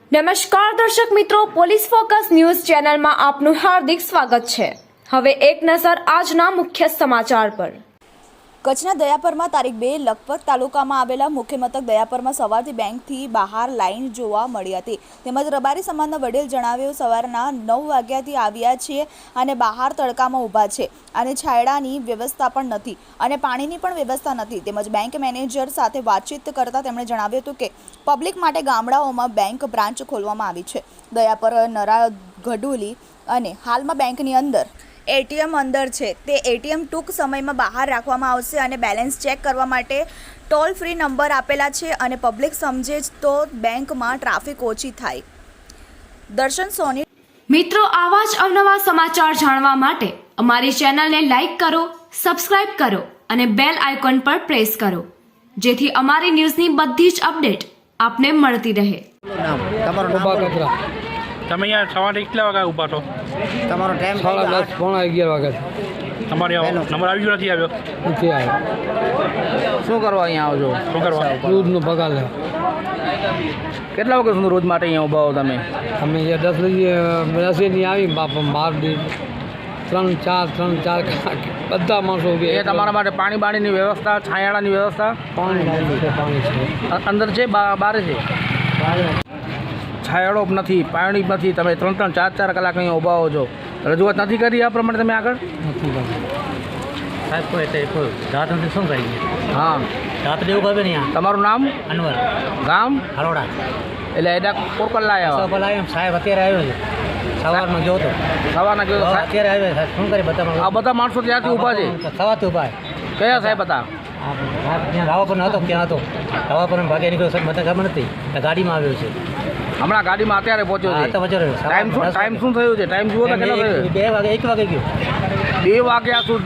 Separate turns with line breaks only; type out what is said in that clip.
નમસ્કાર દર્શક મિત્રો, પોલીસ ફોકસ ન્યૂઝ ચેનલમાં આપનું હાર્દિક સ્વાગત છે। હવે એક નજર આજના મુખ્ય સમાચાર પર।
કચ્છના દયાપરમાં તારીખ 2 લખપત તાલુકામાં આવેલા મુખ્ય મથક દયાપરમાં સવારથી બેંકથી બહાર લાઈન જોવા મળી હતી। તેમજ રબારી સમાજના વડીલ જણાવ્યું સવારના 9 વાગ્યાથી આવ્યા છીએ અને બહાર તડકામાં ઊભા છે અને છાયડાની વ્યવસ્થા પણ નથી અને પાણીની પણ વ્યવસ્થા નથી। તેમજ બેંક મેનેજર સાથે વાતચીત કરતા તેમણે જણાવ્યું હતું કે પબ્લિક માટે ગામડાઓમાં બેંક બ્રાન્ચ ખોલવામાં આવી છે। દયાપર નરા ગઢુલી અને હાલમાં બેંકની અંદર એટીએમ અંદર છે તે એટીએમ ટૂંક સમયમાં બહાર રાખવામાં આવશે અને બેલેન્સ ચેક કરવા માટે ટોલ ફ્રી નંબર આપેલા છે અને પબ્લિક સમજે તો બેંકમાં ટ્રાફિક ઓછી થાય। દર્શન સોની
મિત્રો, આવા જ અવનવા સમાચાર જાણવા માટે અમારી ચેનલને લાઈક કરો, સબસ્ક્રાઇબ કરો અને બેલ આઇકોન પર પ્રેસ કરો, જેથી અમારી ન્યૂઝની બધી જ અપડેટ આપને મળતી રહે।
તમે અહીંયા સવારે કેટલા વાગે ઊભા છો?
તમારો ટાઈમ
10:30 પોણા 11 વાગે
તમારે નંબર આવી ગયો નથી આવ્યો?
નથી આવ્યો।
શું કરવા અહીંયા આવજો?
શું કરવા?
દૂધનો પગાર લે।
કેટલા વાગે સુધી રોજ માટે અહીંયા ઊભા હો તમે?
અમે 10 વાગે આવી બાપા બાર દી 3-4 બધા માણસો
એ તમારા માટે પાણીની વ્યવસ્થા, છાયાડાની વ્યવસ્થા?
પાણી છે
અંદર છે, બહાર છે? છાયાડો નથી, પાણી નથી, તમે 3-4 કલાક અહીંયા ઊભા હો છો, રજૂઆત નથી કરી આ પ્રમાણે તમે આગળ?
નથી
સાહેબ કોઈ રાત નથી શું કરીએ?
હા,
રાત્રે એવું ખબર નહીં.
તમારું નામ?
અનવર,
ગામ?
હરોડા.
એટલે એડા કોરકલ લાયા?
પેલા એમ સાહેબ અત્યારે આવ્યો છે, સવારમાં ગયો હતો,
સવારના ગયો?
અત્યારે આવ્યો સાહેબ શું કરી બધા
આ બધા માણસો ત્યાંથી ઊભા છે?
સવારથી ઊભા.
કયા સાહેબ હતા?
ત્યાં રાવા પર હતો, ત્યાં હતો રાવા પર ભાગે નીકળ્યો સાહેબ, મને ખબર નથી, ગાડીમાં આવ્યો છે
હમણાં ગાડીમાં અત્યારે પહોંચ્યો છે? ટાઈમ શું થયું છે? ટાઈમ જુઓ તો કેટલો થયો?
2 વાગે 1 વાગે ગયો.
2 વાગ્યા સુધી